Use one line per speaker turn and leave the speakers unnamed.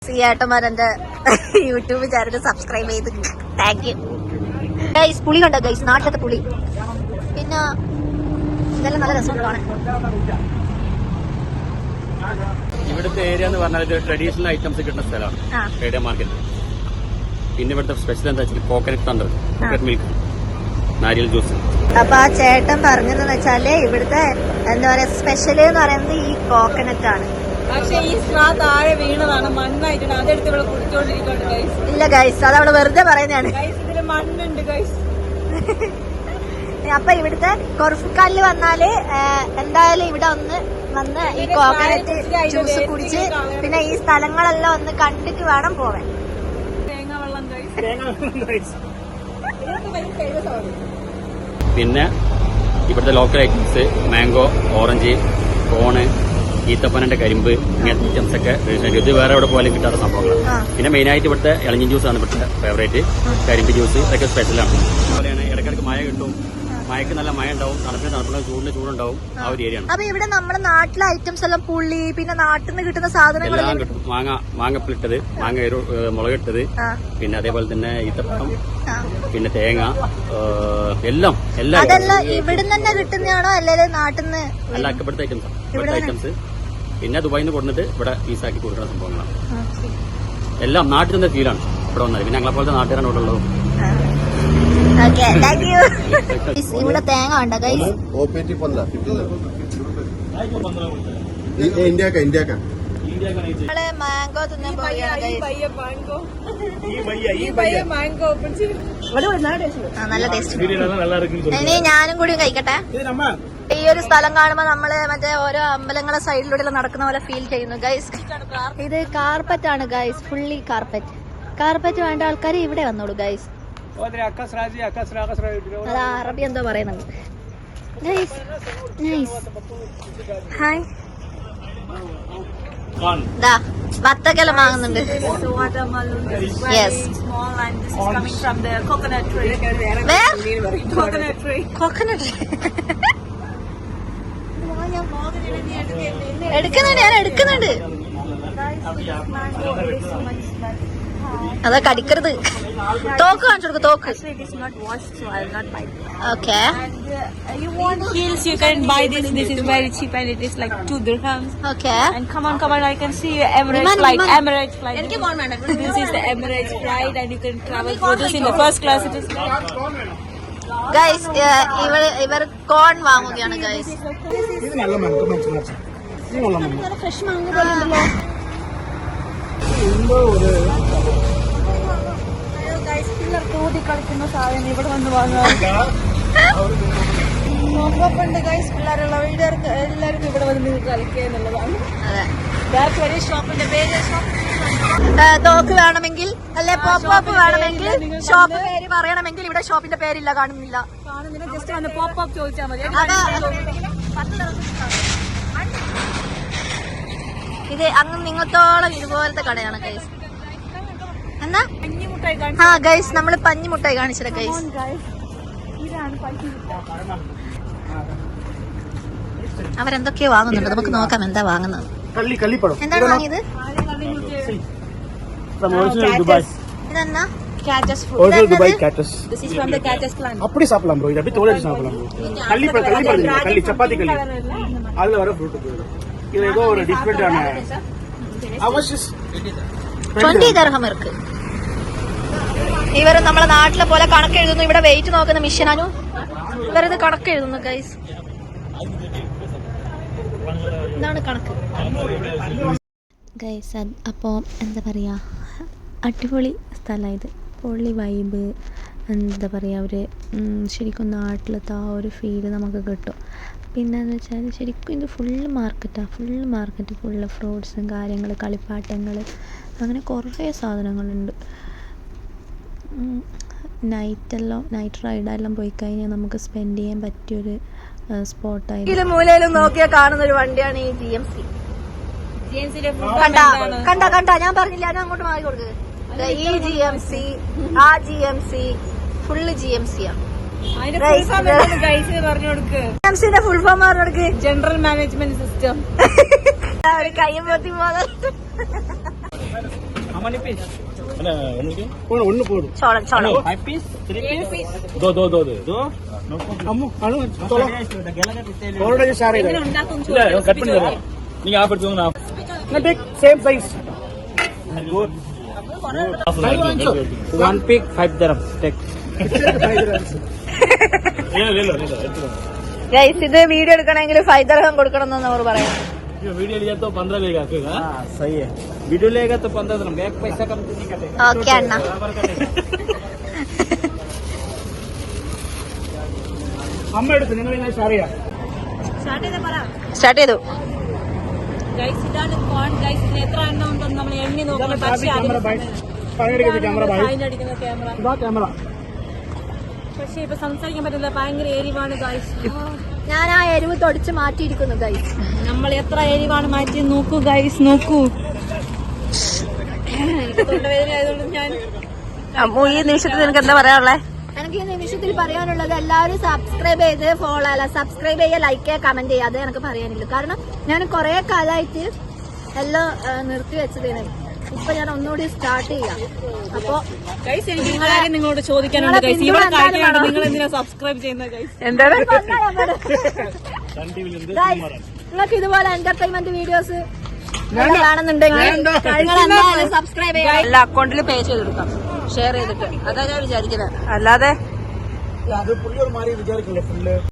ഏട്ടന്മാരെന്റെ YouTube channel subscribe ചെയ്ത് thank you guys. പുളി കണ്ടോ ഗൈസ്, നാട്ടിലത്തെ പുളി. പിന്നെ ഇതെല്ലാം നല്ല രസമുണ്ട് കാണാൻ.
ഇവിടുത്തെ ഏരിയ എന്ന് പറഞ്ഞാൽ ട്രഡീഷണൽ ഐറ്റംസ് കിട്ടുന്ന സ്ഥലമാണ് ഏരിയ മാർക്കറ്റ്. പിന്നെ ഇവിടുത്തെ സ്പെഷ്യൽ എന്താ വെച്ചാൽ കോക്കനട്ട് തണ്ടർ, കോക്കനട്ട് മിൽക്ക്, നാരിയൽ ജ്യൂസ്.
അപ്പൊ ആ ചേട്ടൻ പറഞ്ഞതെന്ന് വെച്ചാല് ഇവിടുത്തെ എന്താ പറയാ സ്പെഷ്യൽ എന്ന് പറയുന്നത് ഈ കോക്കനട്ട് ആണ്.
പക്ഷെ ഈ സ്ട്രാ താഴെ വീണതാണ്, മണ്ണായിട്ടാണ്. അതെടുത്ത് ഇവിടെ കുടിച്ചോണ്ടിരിക്കുന്നുണ്ട് ഗൈസ്.
ഇല്ല ഗൈസ്, അത് അവിടെ വെറുതെ പറയുന്നതാണ്.
ഇതില് മണ്ണുണ്ട് ഗൈസ്.
അപ്പൊ ഇവിടുത്തെ കൊർഫുക്കാലില് വന്നാല് എന്തായാലും ഇവിടെ വന്ന് ഈ കോക്കനട്ട് ജ്യൂസ് കുടിച്ച് പിന്നെ ഈ സ്ഥലങ്ങളെല്ലാം ഒന്ന് കണ്ടിട്ട് വേണം പോവാൻ.
തേങ്ങ വെള്ളം ഗൈസ്.
പിന്നെ ഇവിടുത്തെ local items mango, orange, corn, ഈത്തപ്പനന്റെ കരിമ്പ്, ഇങ്ങനത്തെ ഐറ്റംസ് ഒക്കെ ഇത് വേറെ എവിടെ പോലും കിട്ടാത്ത സംഭവങ്ങളാണ്. പിന്നെ മെയിനായിട്ട് ഇവിടുത്തെ ഇളഞ്ഞി ജ്യൂസാണ് ഇവിടുത്തെ ഫേവറേറ്റ്. കരിമ്പ് ജ്യൂസ് ഇതൊക്കെ സ്പെഷ്യലാണ്. അതുപോലെയാണ് ഇടയ്ക്കിടയ്ക്ക് മഴ കിട്ടും, മഴയ്ക്ക് നല്ല മഴ ഉണ്ടാവും, തണുപ്പിന് ചൂടിന് ചൂടുണ്ടാവും. ആ ഒരു ഏരിയ ആണ്.
അപ്പൊ ഇവിടെ നമ്മുടെ നാട്ടിലെ ഐറ്റംസ് എല്ലാം പുള്ളി പിന്നെ നാട്ടിൽ നിന്ന് കിട്ടുന്ന സാധനങ്ങൾ
എല്ലാം കിട്ടും. മാങ്ങപ്പിലിട്ടത്, മാങ്ങ മുളകിട്ടത്, പിന്നെ അതേപോലെ തന്നെ ഈത്തപ്പഴം, പിന്നെ തേങ്ങ, എല്ലാം
അതെല്ലാം ഇവിടെ തന്നെ കിട്ടുന്നതാണോ അല്ലെങ്കിൽ നാട്ടിൽ നിന്ന്?
അല്ല, ഇവിടുത്തെ ഐറ്റംസ്. പിന്നെ ദുബായിൽ നിന്ന് കൊടുത്തിട്ട് ഇവിടെ പീസാക്കി കൊടുക്കുന്ന സംഭവങ്ങളാണ്. എല്ലാം നാട്ടിൽ നിന്ന് ഫീലാണ് ഇവിടെ വന്നത്. പിന്നെ ഞങ്ങളെ പോലത്തെ നാട്ടുകാരാണ് ഇവിടെ ഉള്ളത്.
ഇവിടെ തേങ്ങ ഉണ്ടോ ഗൈസ്? മാംഗോ തിന്നാൻ പോവുകയാണ്. നല്ല ടേസ്റ്റ്. ഇനി ഞാനും കൂടി കഴിക്കട്ടെ. ഈ ഒരു സ്ഥലം കാണുമ്പോ നമ്മള് മറ്റേ ഓരോ അമ്പലങ്ങളെ സൈഡിലൂടെ നടക്കുന്ന പോലെ ഫീൽ ചെയ്യുന്നു ഗൈസ്. ഇത് കാർപ്പറ്റ് ആണ് ഗൈസ്, ഫുള്ളി കാർപ്പറ്റ് വേണ്ട ആൾക്കാർ ഇവിടെ വന്നോളൂ ഗൈസ്. അത് അറബി എന്തോ പറയുന്നുണ്ട് ഗൈസ്. നൈസ്. ഹായ്. വത്തക്കെല്ലാം വാങ്ങുന്നുണ്ട്. യെസ്. കോക്കനട്ട് ഞാൻ എടുക്കുന്നുണ്ട്. അതാ കടിക്കരുത്. തോക്ക് കാണിച്ചു കൊടുക്കും. തോക്ക്. Okay.
You want heels? You can buy this. This is very cheap and it is like 2 dirhams.
Okay.
And come on, I can see your Emirates flight. Emirates flight. This is the Emirates flight and you can travel through this in the first class. It is.
Guys, ഇവർ കോൺ വാങ്ങുകയാണ് guys. Fresh മാങ്ങ പോലെ ഉണ്ടല്ലോ.
കളിക്കുന്ന സാധനം ഇവിടെ വന്ന് വാങ്ങാറുണ്ട് ഗൈസ്. പിള്ളേരുള്ള വീട്ടുകാർക്ക് എല്ലാവർക്കും ഇവിടെ വന്ന് കളിക്കുക എന്നുള്ളതാണ്. ഷോപ്പിന്റെ പേര്.
തോക്ക് വേണമെങ്കിൽ അല്ലെ പോപ്പ് വേണമെങ്കിൽ ഷോപ്പ് പേര് പറയണമെങ്കിൽ ഇവിടെ ഷോപ്പിന്റെ പേരില്ല, കാണുന്നില്ല.
ജസ്റ്റ് വന്ന് പോപ്പ് ചോദിച്ചാൽ മതി.
ഇത് അങ്ങ് നിങ്ങത്തോളം ഇതുപോലത്തെ കടയാണ് ഗൈസ്. എന്നാ ഗൈസ് നമ്മള് പഞ്ഞിമുട്ടായി കാണിച്ചത് ഗൈസ്. അവരെന്തൊക്കെയോ വാങ്ങുന്നുണ്ട്, നമുക്ക് നോക്കാം എന്താ വാങ്ങുന്നത്. എന്താണ് വാങ്ങിയത്? ഇതെന്നാ?
Dubai cactus.
This is from the cactus plant.
அப்படி சாப்பிடலாம் bro. இது அப்படியே தோலை சாப்பிடலாம் bro. கள்ளி சப்பாத்தி கள்ளி அதுல வர ஃப்ரூட் இது ஏதோ ஒரு டிஃபரெண்டான அவசியம்
20 dirham இருக்கு. ഇവർ നമ്മളെ നാട്ടിലെ പോലെ കണക്ക് എഴുതുന്നു. ഇവിടെ വെയിറ്റ് നോക്കുന്ന മിഷനാണു. ഇവരത് കണക്ക് എഴുതുന്നു ഗൈസ്. ഇതാണ് കണക്ക്
ഗൈസ്. അപ്പോൾ എന്താ പറയുക, അടിപൊളി സ്ഥലമാണ് ഇത്. പൊള്ളി വൈബ്. എന്താ പറയുക, ഒരു ശരിക്കും നാട്ടിലത്തെ ആ ഒരു ഫീല് നമുക്ക് കിട്ടും. പിന്നെയെന്ന് വെച്ചാൽ ശരിക്കും ഇത് ഫുള്ള് മാർക്കറ്റ് ഫുള്ള് ഫ്രൂട്ട്സും കാര്യങ്ങൾ, കളിപ്പാട്ടങ്ങൾ, അങ്ങനെ കുറേ സാധനങ്ങളുണ്ട്. നൈറ്റ് റൈഡെല്ലാം പോയി കഴിഞ്ഞാൽ നമുക്ക് സ്പെൻഡ് ചെയ്യാൻ പറ്റിയൊരു സ്പോട്ടായി.
മൂലയിലും നോക്കിയാൽ കാണുന്ന ഒരു വണ്ടിയാണ് ഈ GMC. കണ്ട ഞാൻ പറഞ്ഞില്ല, ഞാൻ അങ്ങോട്ട് മാറി കൊടുക്കുക. ഈ GMC, ആ GMC, ഫുള്ള് GMC ആണ്. GMCന്റെ ഫുൾ ഫോം പറഞ്ഞു കൊടുക്ക്.
General management system.
ഒരു കയ്യും പൊത്തി പോലെ
ஒண்ணு போதும்
ചോളം ചോളം
दो अम्मू चलो थोड़ा जो सारे இல்ல கட் பண்ணி தரேன் நீங்க ஆஃப் எடுத்துங்க நான் take same size good 1 pick 5 dirham take ले लो
ഗൈസ് ഇത് വീഡിയോ എടുക്കണമെങ്കിൽ 5 ദിർഹം കൊടുക്കണം എന്നാണ് അവർ പറയുന്നത്.
वीडियो लिया तो 15 लेगा आपका हां सही है वीडियो लेगा तो 15 dirham एक पैसा कम नहीं कटेगा
ഓക്കെ അണ്ണ.
അമ്മ എടുത്ത് നിങ്ങൾ ഇങ്ങനെ ഷെയർ ചെയ്യാം
സ്റ്റാർട്ട് ചെയ്തു.
ഗൈസ് ഇതാണ് കോൺ ഗൈസ്. ഇതിന് എത്ര എണ്ണം ഉണ്ടെന്ന് നമ്മൾ എണ്ണി നോക്കണം. പക്ഷേ
camera by camera by
fine അടിക്കുന്ന ക്യാമറ.
ഇതാ ക്യാമറ
പക്ഷേ ഇപ്പൊ സംസാരിക്കാൻ പറ്റില്ല, ഭയങ്കര എരിവാണ് ഗൈസ്.
ഞാൻ ആ എരിവ് തൊടിച്ച് മാറ്റിയിരിക്കുന്നു ഗൈസ്.
നമ്മൾ എത്ര എരിവാണ് മാറ്റി നോക്കൂ ഗൈസ്, നോക്കൂ. എനിക്ക് തൊണ്ടവേദന ആയതുകൊണ്ട് ഞാൻ
അമ്മു ഈ നിമിഷത്തിൽ നിനക്ക് എന്താ പറയാനുള്ളത്? എനിക്ക് ഈ നിമിഷത്തിൽ പറയാനുള്ളത് എല്ലാവരും സബ്സ്ക്രൈബ് ചെയ്ത് ഫോളോ അല്ല സബ്സ്ക്രൈബ് ചെയ്യുക, ലൈക്ക് ചെയ്യുക, കമന്റ് ചെയ്യുക. അത് എനിക്ക് പറയാനുള്ളൂ. കാരണം ഞാൻ കുറെ കാലമായിട്ട് എല്ലാം നിർത്തി വെച്ചതാണ്. ഇപ്പൊ ഞാൻ ഒന്നുകൂടി സ്റ്റാർട്ട് ചെയ്യാം. അപ്പൊ
ഗൈസ് എനിക്ക് നിങ്ങളോട് ചോദിക്കാനുണ്ട് ഗൈസ്. ഇവിടെ കഴിക്കാണ്ട് നിങ്ങൾ എന്തിനാ സബ്സ്ക്രൈബ് ചെയ്യുന്നത് ഗൈസ്?
എന്താണ് നിങ്ങൾക്ക് ഇതുപോലെ എന്റർടൈൻമെന്റ് വീഡിയോസ് കാണുന്നുണ്ടെങ്കിൽ നിങ്ങൾ എന്തായാലും സബ്സ്ക്രൈബ് ചെയ്യുക.
എല്ലാ അക്കൗണ്ടിൽ പേ ചെയ്തെടുക്കാം, ഷെയർ ചെയ്തിട്ട്. അതാ ഞാൻ വിചാരിക്കുന്നത്. അല്ലാതെ
അത് പുള്ളി ഒരു മാറി വിചാരിക്കില്ല ഫുള്ള്